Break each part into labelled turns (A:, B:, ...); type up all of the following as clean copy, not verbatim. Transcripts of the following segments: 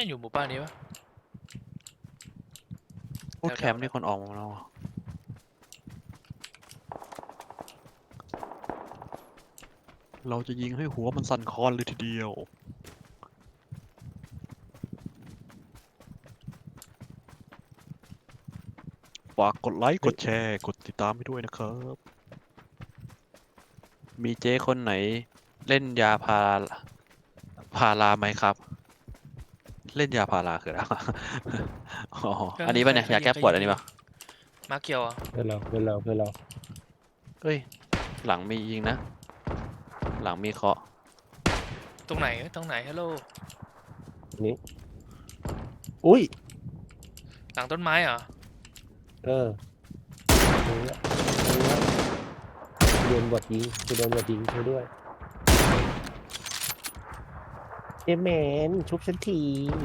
A: ไม่อยู่หมู่บ้านนี้วะ
B: พูดแคมป์นี่คนออกมาแล้วอะเราจะยิงให้หัวมันสั่นคลอนเลยทีเดียวฝากกดไลค์กดแชร์กดติดตามให้ด้วยนะครับมีเจ๊คนไหนเล่นยาพาราไหมครับ เล่นยาพาราคืออะไรวะ อ๋ออันนี้ป่ะเนี่ยยาแก้ปวดอันนี้ป่ะ
A: มาเกียวอ่ะ
C: เพื่อนเรา
B: เอ้ยหลังมียิงนะหลังมีเคาะ
A: ตรงไหนฮัลโหล
C: นี่อุ้ย
A: หลังต้นไม้เหรอ
C: เออตรงเนี้ยโดนบอดยิงโดนบอดยิงเธอด้วยเอเมนชุบฉันที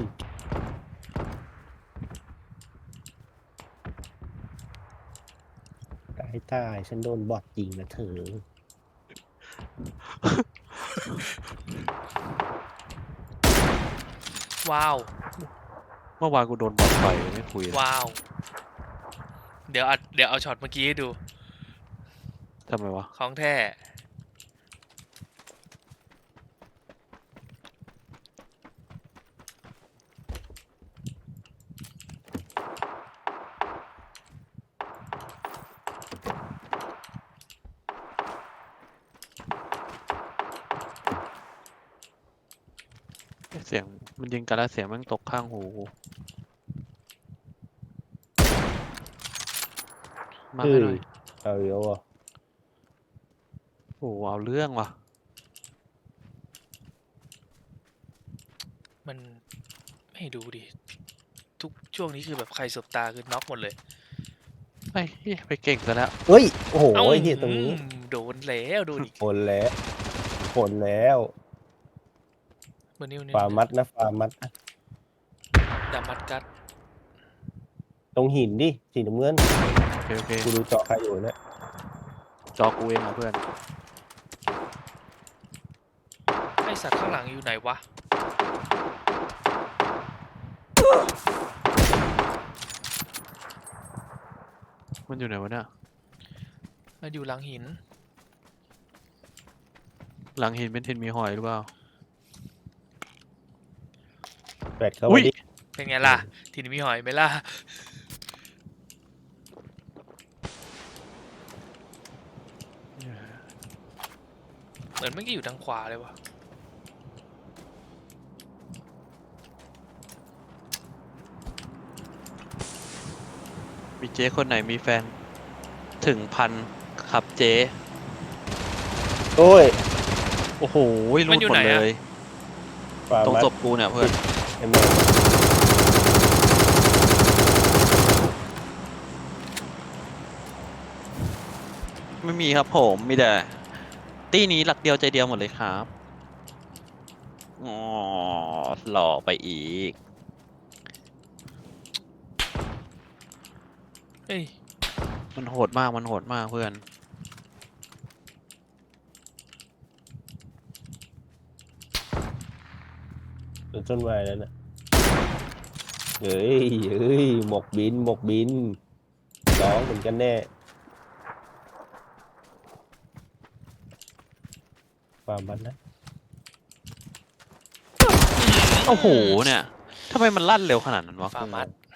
C: ตายฉันโดนบอดยิงนะเธอ
A: ว้าว
B: เมื่อวานกูโดนบอลต่อยไม่คุยเลย
A: ว้าวเดี๋ยวเอาช็อตเมื่อกี้ให้ดู
B: ทำไมวะ
A: ของแท้
B: เสียงมันยิงกันแล้วเสียงแมันตกข้างหูกูมา
C: เฮ้
B: ให้
C: ย
B: หน่อย
C: เอาเยอะอ่ะ
B: โอ้โหเอาเรื่องว่ะ
A: มันไม่ดูดิทุกช่วงนี้คือแบบใครสบตาคือน็อกหมดเลย
B: ไปเก่งซะแล้ว
C: เฮ้ยโอ้โห
A: เอ้า
C: เฮียตรงนี้
A: โดนแล้วโดนอีก
C: ผลแล้ว
A: เบอร์นิ้ว
C: ฟาร์มัดนะฟาร์มัดนะ
A: ดามัดกัด
C: ตรงหินดิสีน้ำเงิน
B: โอเค
C: กูดูจอใครอยู่เนี่ย
B: จอกูเองอ่ะเพื่อน
A: ไอสัตว์ข้างหลังอยู่ไหนวะ
B: มันอยู่ไหนวะเนี่ย
A: มันอยู่หลังหิน
B: หลังหินเป็นทินมีหอยหรือเปล่า
C: แปดเข้า
B: อุ้
C: มาย ดิ
A: เป็นไงล่ะ ทีนี้มีหอยไหมล่ะ เหมือนเมื่อกี้อยู่ทางขวาเลยวะ
B: มีเจ๊คนไหนมีแฟน ถึงพันครับเจ๊
C: โอ้ย
B: โอ้โหรู
A: มัน
B: ด
A: อยู่
B: หม
A: ไหน
B: ด
A: อะ
B: เลย
C: ฟาร์
B: ตรง
C: มัด
B: ศพกูเนี่ยเพื่อน
C: เอเมน
B: ไม่มีครับผมมีแต่ตี้นี้หลักเดียวใจเดียวหมดเลยครับอ๋อหล่อไปอีก
A: เอ้ย
B: มันโหดมากเพื่อน
C: โดนต้นไม้แล้วนะเฮ้ยหมกบินร้องเหมือนกันแน่ฟาร์มัดนะ
B: โอ้โหเนี่ยทำไมมันลั่นเร็วขนาดนั้นวะ
A: ฟาร์มัส